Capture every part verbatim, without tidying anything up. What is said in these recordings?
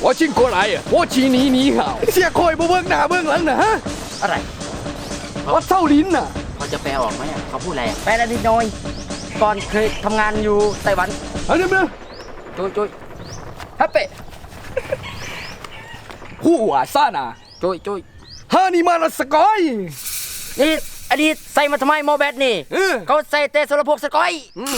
我进过来呀，我请你你好。เสียคอยบ่เบิ่งหน้าเบิ่งหลังนะฮะอะไรวัดเศร้าลิ้นน่ะเขาจะแปลออกไหมอะเขาพูดอะไรอะแปลได้นิดหน่อยก่อนเคยทำงานอยู่ไต้หวันเอาเดี๋ยวมาจุยจุยฮัปเป้ผู้ว่าซ่าน่ะจุยจุยฮานี่มาละสกอยนี่อดีตใส่มาทำไมโมแบทนี่เออเขาใส่เตะสารพวกสกอย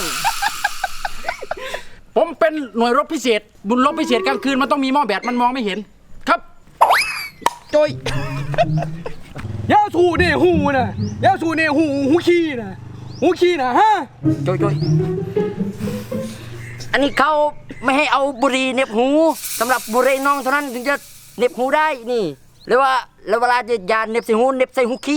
ผมเป็นหน่วยรบพิเศษ บุญรบพิเศษกลางคืนมันต้องมีหม้อแบตมันมองไม่เห็น ครับจุยยาสูเนี่ยหูน่ะยาสูเนี่ยหูหูขี้น่ะหูขี้น่ะฮะจุยจุยอันนี้เขาไม่ให้เอาบุหรี่เหน็บหูสำหรับบุหรี่น้องเท่านั้นถึงจะเหน็บหูได้นี่หรือว่าแล้วเวลาจะยาเหน็บใส่หูเหน็บใส่หูขี้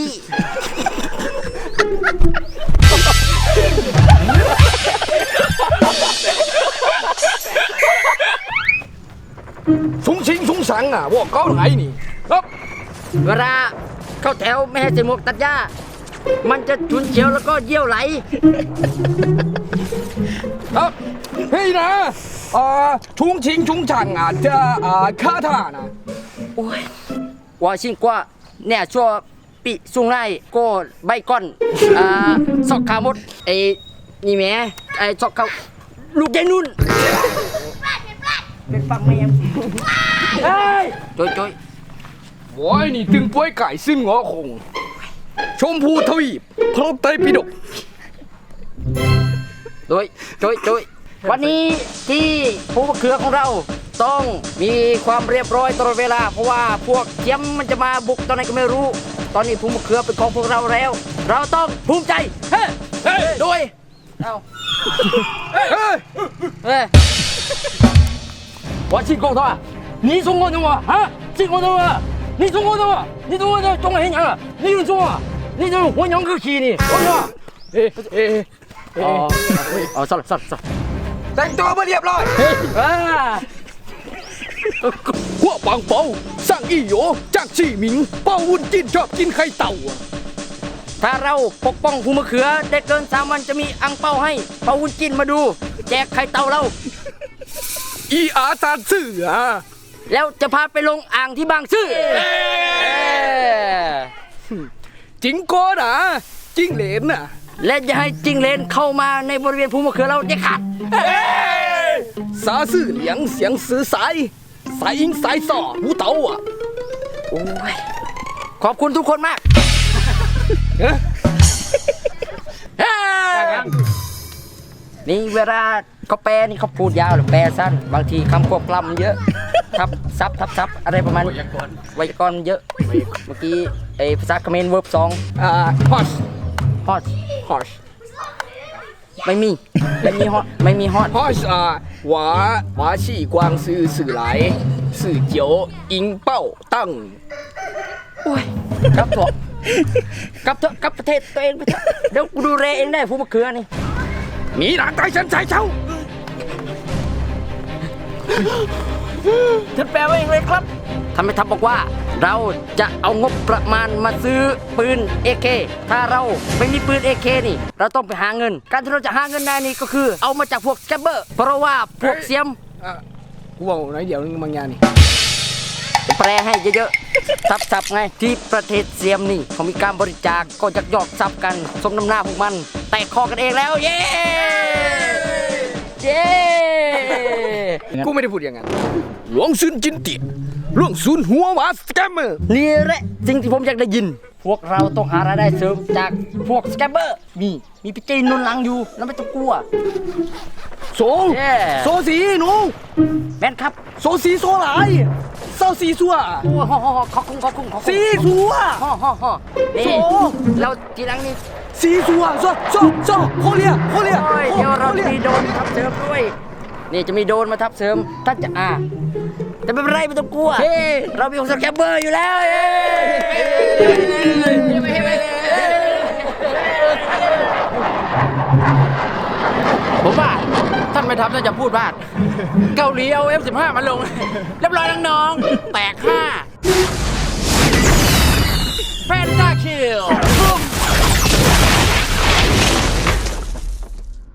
สูงชิงสูงสังอ่ะว่าเก้าไหนนี่ครับเวลาเข้าแถวไม่ให้ใส่หมวกตัดหญ้ามันจะฉุนเฉียวแล้วก็เยี่ยวไหลครับเฮ้ยนะอ่าชุงชิงชุงชังอ่ะจะอ่าคาถานะโอ้ยว่าชิงกว่าเนี่ยชั่วปีสุงไร่ก็ใบก้อนอ่าซอกขามดไอ้นี่แหม่ไอ้ซอกเขาลูกยายนุ่นเป็นฟังไหมยังเฮ้ยจอยจอยโว้ยนี่ตึงป่วยไก่ซึ่งหัวคงชมพูทวีปพระไตรปิฎกโดยจอยจอยวันนี้ที่ผู้มะเขือของเราต้องมีความเรียบร้อยตลอดเวลาเพราะว่าพวกเทียมมันจะมาบุกตอนไหนก็ไม่รู้ ตอนนี้ผู้มะเขือเป็นของพวกเราแล้ว เราต้องภูมิใจเฮ้เฮ้โดยเอาเฮ้ยเฮ้我进攻他，你中国的我啊，进攻的我，你中国的我，你中国的中国人娘了，你有中啊，你这活娘个气呢，我说， เอ๊ะเอ๊ะอ๋ออ๋อสลับสลับสลับแต่งตัวมาเรียบร้อยอ่าพวกบางเปาสร้างอีโหยจากชีหมิงเป้าวุ้นจิ้นชอบกินไข่เต่าอะถ้าเราปกป้องผู้มะเขือได้เกินสามวันจะมีอังเป้าให้เปาวุ้นจินมาดู แจกไข่เต่าเราอีอาจารย์สื่ออ่ะแล้วจะพาไปลงอ่างที่บางซื่อจิงโก้นะจิงเหลนน่ะและอย่าให้จิงเลนเข้ามาในบริเวณภูมะเขือเราเด็ดขาดสาสื่อเหลียงเสียงสื่อสายสายอิงสายสอหูเต่าอ่ะโอ้ยขอบคุณทุกคนมากเอ๊ะนี่เวลาเขาแปลนี่เขาพูดยาวหรือแปลสั้น บางทีคำควบกล้ำมันเยอะทับซับทับซับอะไรประมาณไวยากรณ์เยอะเมื่อกี้ไอภาษาเขมรเวิร์บสองอ่าฮอชฮอตฮอชไม่มีไม่มีฮอตไม่มีฮอตฮอชอ่ะหวาหวาชี่กวางสื่อสื่อไหลสื่อเจียวอิงเป้าตั้งโอ้ยกลับเถอะกลับเถอะกลับประเทศตัวเองไปเถอะเดี๋ยวกูดูแลเองได้ผู้มะเขือนี่หนีหลังใต้ฉันใช้เช้าท่านแปลว่าอย่างไรครับท่านไม่ทับบอกว่า เราจะเอางบประมาณมาซื้อปืน เอ เค ถ้าเราไม่มีปืน เอ เค นี่ เราต้องไปหาเงิน การที่เราจะหาเงินได้นี่ก็คือ เอามาจากพวกแกบเบอร์ เพราะว่าพวกเสียมอ่ะกูบอกหน่อยเดี๋ยวนึงบางอย่างนี่แปลให้เยอะๆซับๆไงที่ประเทศเสียมนี่เขามีการบริจาคก็ยักยอกทรัพย์กันสมน้ำหน้าพวกมัน แตกคอกันเองแล้ว เย้ เย้กูไม่ได้พูดอย่างนั้นหลวงซุนจินเตียหลวงซุนหัวหมาสแกมเมอร์นี่แหละสิ่งที่ผมอยากได้ยิน พวกเราต้องหารายได้เสริมจากพวกสแกมเบอร์ มีมีพี่เจนนุนหลังอยู่แล้วไม่ต้องกลัวโซเย้โซสีหนูแม่นครับโซสีโซหลายเศร้าสีสัวโอ้ฮ่อฮ่อขอบคุณขอบคุณขอบคุณสีสัวฮ่อฮ่อฮ่อนี่โซ่เราทีหลังนี่สีสัวโซโซโซโคเรียโคเรียโอ้ยเดี๋ยวเราโคจะเรียมีโดรนมาทับเสริมด้วย นี่จะมีโดรนมาทับเสริมถ้าจะอ่าแต่ไม่เป็นไรไม่ต้องกลัว เรามีของสแกมเบอร์อยู่แล้วเย้ผมว่าท่านไม่ทับน่าจะพูดว่าเกาหลีเอา เอฟ สิบห้า มาลง เรียบร้อยน้องๆแตกห้าแพนด้าคิล